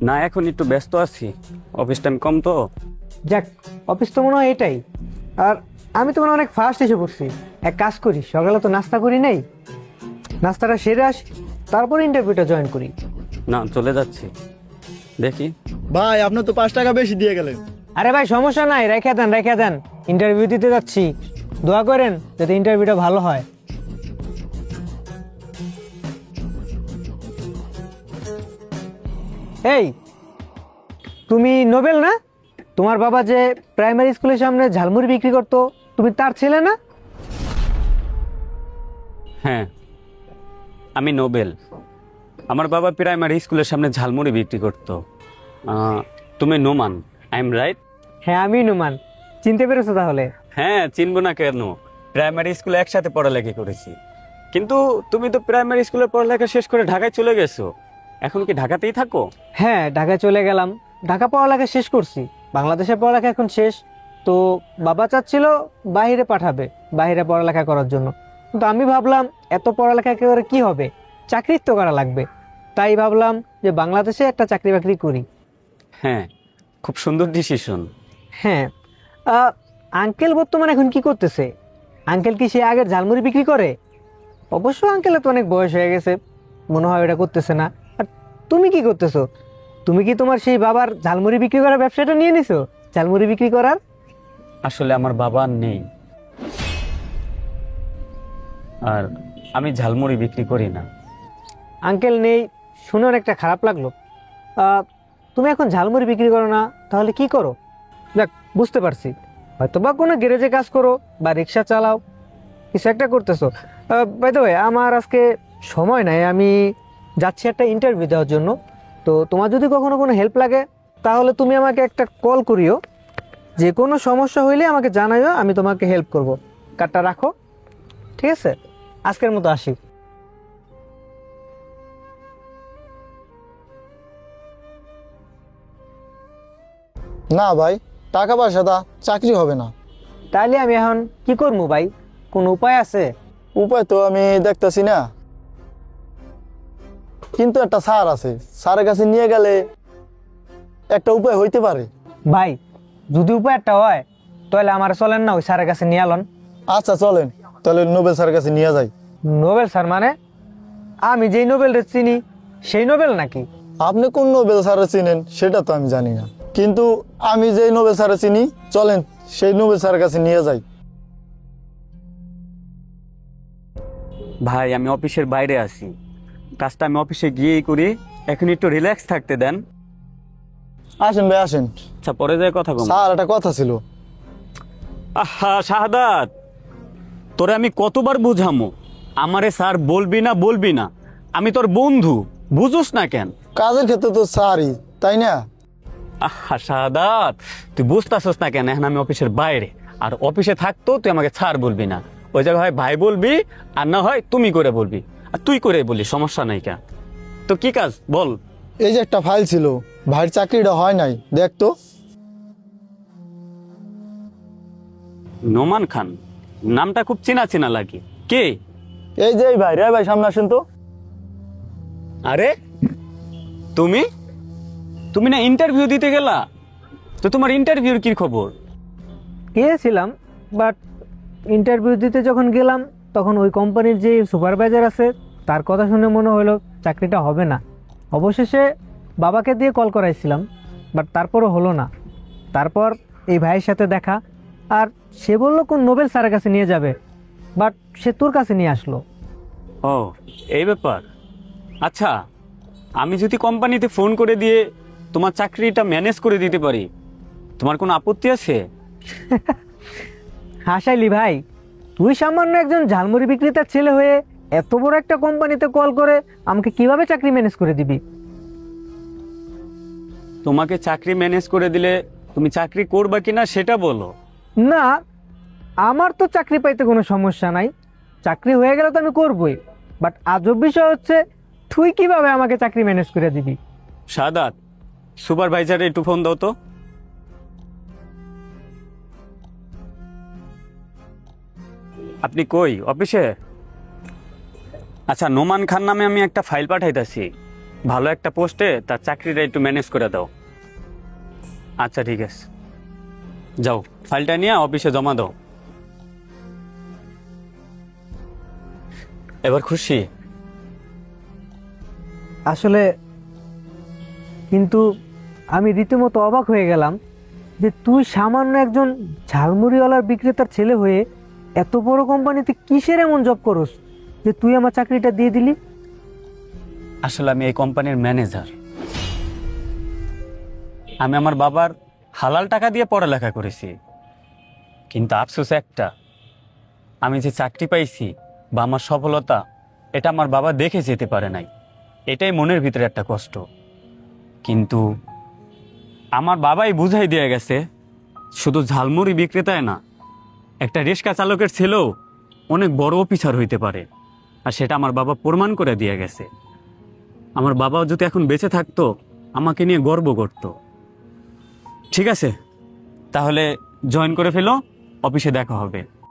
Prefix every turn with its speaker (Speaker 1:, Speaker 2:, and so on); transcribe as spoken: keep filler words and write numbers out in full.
Speaker 1: না, এখন একটু ব্যস্ত আছি, অফিস টাইম কম তো।
Speaker 2: যাক, অফিস তো মনে হয় এটাই। আর আমি তো মনে হয় অনেক ফাস্ট এসে পড়ছি। এক কাজ করি, সকালে তো নাস্তা করি নাই, নাস্তাটা সেরে আসি, তারপর ইন্টারভিউটা জয়েন করি।
Speaker 1: না, চলে যাচ্ছি, দেখি।
Speaker 3: ভাই আপনার তো পাঁচ টাকা বেশি দিয়ে গেলেন।
Speaker 2: আরে ভাই সমস্যা নাই, রেখে দেন রেখে দেন, ইন্টারভিউ দিতে যাচ্ছি, দোয়া করেন যাতে ইন্টারভিউটা ভালো হয়। এই, তুমি নোবেল না? তোমার বাবা যে প্রাইমারি স্কুলের সামনে ঝালমুড়ি বিক্রি করতো, তুমি তার ছেলে না?
Speaker 1: হ্যাঁ, আমি নোবেল। আমার বাবা প্রাইমারি স্কুলের সামনে ঝালমুড়ি বিক্রি করতো। আহ, তুমি নোমান, আই এম রাইট?
Speaker 2: হ্যাঁ আমি নুমান, চিনতে পেরেছো তাহলে?
Speaker 1: হ্যাঁ, চিনবো না কেন? প্রাইমারি স্কুলে একসাথে পড়ালেখা করেছি। কিন্তু তুমি তো প্রাইমারি স্কুলে পড়ালেখা শেষ করে ঢাকায় চলে গেছো, এখন কি ঢাকাতেই থাকো?
Speaker 2: হ্যাঁ ঢাকায় চলে গেলাম, ঢাকা পড়ালেখা শেষ করছি, বাংলাদেশের পড়ালেখা এখন শেষ। তো বাবা চাচ্ছিল বাইরে পাঠাবে, বাইরে পড়ালেখা করার জন্য। কিন্তু আমি ভাবলাম এত পড়ালেখা করে কি হবে, চাকরি তো করা লাগবে। তাই ভাবলাম যে বাংলাদেশে একটা চাকরি বাকরি করি।
Speaker 1: হ্যাঁ, খুব সুন্দর ডিসিশন।
Speaker 2: হ্যাঁ, আহ, আঙ্কেল বর্তমানে এখন কি করতেছে? আঙ্কেল কি সে আগের ঝালমুড়ি বিক্রি করে? অবশ্য আঙ্কেলের তো অনেক বয়স হয়ে গেছে, মনে হয় এটা করতেছে না। আর তুমি কি করতেছো? তুমি কি তোমার সেই বাবার ঝালমুড়ি বিক্রি করার ব্যবসাটা নিয়ে নিছো, ঝালমুড়ি বিক্রি করার?
Speaker 1: আসলে আমার বাবা আর নেই, আর আমি ঝালমুড়ি বিক্রি করি না।
Speaker 2: আঙ্কেল নেই শুনে অনেকটা খারাপ লাগলো। আহ, তুমি এখন ঝালমুড়ি বিক্রি করো না, তাহলে কি করো? দেখ, বুঝতে পারছি, হয়তো বা কোনো গ্যারেজে কাজ করো বা রিক্সা চালাও, কিছু একটা করতেছো। বাই দ্য ওয়ে, আমার আজকে সময় নাই, আমি যাচ্ছি একটা ইন্টারভিউ দেওয়ার জন্য। তো তোমার যদি কখনো কোনো হেল্প লাগে তাহলে তুমি আমাকে একটা কল করিও, যে কোনো সমস্যা হইলে আমাকে জানাইও, আমি তোমাকে হেল্প করব। কার্ডটা রাখো, ঠিক আছে? আজকের মতো আসি।
Speaker 3: না ভাই, টাকা পয়সা দা চাকরি হবে না।
Speaker 2: তাহলে আমি এখন কি করবো ভাই, কোনো উপায় আছে?
Speaker 3: উপায় তো আমি দেখতেছি না, কিন্তু একটা স্যার আছে, স্যারের কাছে নিয়ে গেলে একটা উপায় হইতে পারে।
Speaker 2: ভাই যদি উপায় একটা হয় তাহলে আমার চলেন না ওই স্যারের কাছে নিয়ে আলন।
Speaker 3: আচ্ছা চলেন, তাহলে নোবেল স্যারের কাছে নিয়ে যাই।
Speaker 2: নোবেল স্যার মানে? আমি যেই নোবেল চিনি সেই নোবেল নাকি?
Speaker 3: আপনি কোন নোবেল স্যারের চিনেন সেটা তো আমি জানি না, কিন্তু আমি যেই নোবেল স্যারের চিনি, চলেন সেই নোবেল স্যারের কাছে নিয়ে যাই।
Speaker 1: ভাই, আমি অফিসের বাইরে আছি, কাজটা আমি অফিসে গিয়েই করি, এখন একটু রিল্যাক্স থাকতে দেন।
Speaker 3: আসেন ভাই আসেন।
Speaker 1: আচ্ছা, পরে যায় কথা কম।
Speaker 3: স্যার একটা কথা ছিল।
Speaker 1: আহা শাহাদাত, তোরে আমি কতবার বুঝামো, আমারে স্যার বলবি না বলবি না, আমি তোর বন্ধু, বুঝোস না কেন?
Speaker 3: কাজের ক্ষেত্রে তো স্যারই, তাই না?
Speaker 1: আহা শাহাদাত, তুই বুঝতেছস না কেন? এখন আমি অফিসের বাইরে, আর অফিসে থাকতো তুই আমাকে স্যার বলবি না, ওই জায়গায় হয় ভাই বলবি, আর না হয় তুমি করে বলবি, আর তুই করে বলি, সমস্যা নাই কেন? তো কি কাজ বল?
Speaker 3: এই যে একটা ফাইল ছিল, ভাইয়ের চাকরিটা হয় নাই, দেখ তো।
Speaker 1: নোমান খান, নামটা খুব চেনা চেনা লাগে, কে?
Speaker 3: এই যে এই ভাই রে, ভাই সামনে আসেন তো।
Speaker 1: আরে তুমি তুমি না ইন্টারভিউ দিতে গেলা? তো তোমার ইন্টারভিউর কি খবর?
Speaker 2: গিয়েছিলাম, বাট ইন্টারভিউ দিতে যখন গেলাম তখন ওই কোম্পানির যে সুপারভাইজার আছে তার কথা শুনে মনে হলো চাকরিটা হবে না। অবশেষে বাবাকে দিয়ে কল করাইছিলাম, বাট তারপরও হলো না। তারপর এই ভাইয়ের সাথে দেখা, আর সে বললো কোন নোবেল স্যারের কাছে নিয়ে যাবে, বাট সে তোর কাছে নিয়ে আসলো।
Speaker 1: ও, এই ব্যাপার। আচ্ছা, আমি যদি কোম্পানিতে ফোন করে দিয়ে তোমার চাকরিটা ম্যানেজ করে দিতে পারি, তোমার কোনো আপত্তি আছে?
Speaker 2: হাসাইলি ভাই, তুই সামান্য একজন ঝালমুড়ি বিক্রেতার ছেলে হয়ে এত বড় একটা কোম্পানিতে কল করে আমাকে কিভাবে চাকরি ম্যানেজ করে দিবি?
Speaker 1: তোমাকে চাকরি ম্যানেজ করে দিলে তুমি চাকরি করবা কিনা সেটা বলো।
Speaker 2: না, আমার তো চাকরি পাইতে কোনো সমস্যা নাই, চাকরি হয়ে গেলে তো আমি করবই, বাট আজব বিষয় হচ্ছে তুই কিভাবে আমাকে চাকরি ম্যানেজ করে দিবি?
Speaker 1: সাদাত, সুপারভাইজারে একটু ফোন দাও তো। আপনি কই, অফিসে? আচ্ছা, নোমান খান নামে আমি একটা ফাইল পাঠাইতেছি, ভালো একটা পোস্টে তার চাকরিটা একটু ম্যানেজ করে দাও। আচ্ছা ঠিক আছে, যাও ফাইলটা নিয়ে অফিসে জমা দাও। এবার খুশি?
Speaker 2: আসলে কিন্তু আমি রীতিমতো অবাক হয়ে গেলাম যে তুই সামান্য একজন ঝালমুড়িওয়ালার বিক্রেতার ছেলে হয়ে এত বড় কোম্পানিতে কিসের এমন জব করস যে তুই আমার চাকরিটা দিয়ে দিলি।
Speaker 1: আসলে আমি এই কোম্পানির ম্যানেজার। আমি আমার বাবার হালাল টাকা দিয়ে পড়ালেখা করেছি, কিন্তু আফসোস একটা, আমি যে চাকরি পাইছি বা আমার সফলতা, এটা আমার বাবা দেখে যেতে পারে নাই। এটাই মনের ভিতরে একটা কষ্ট। কিন্তু আমার বাবাই বুঝাই দিয়ে গেছে শুধু ঝালমুড়ি বিক্রেতায় না, একটা রিক্সা চালকের ছেলেও অনেক বড় অফিসার হইতে পারে। আর সেটা আমার বাবা প্রমাণ করে দিয়ে গেছে। আমার বাবাও যদি এখন বেঁচে থাকতো আমাকে নিয়ে গর্ব করত। ঠিক আছে, তাহলে জয়েন করে ফেলো, অফিসে দেখা হবে।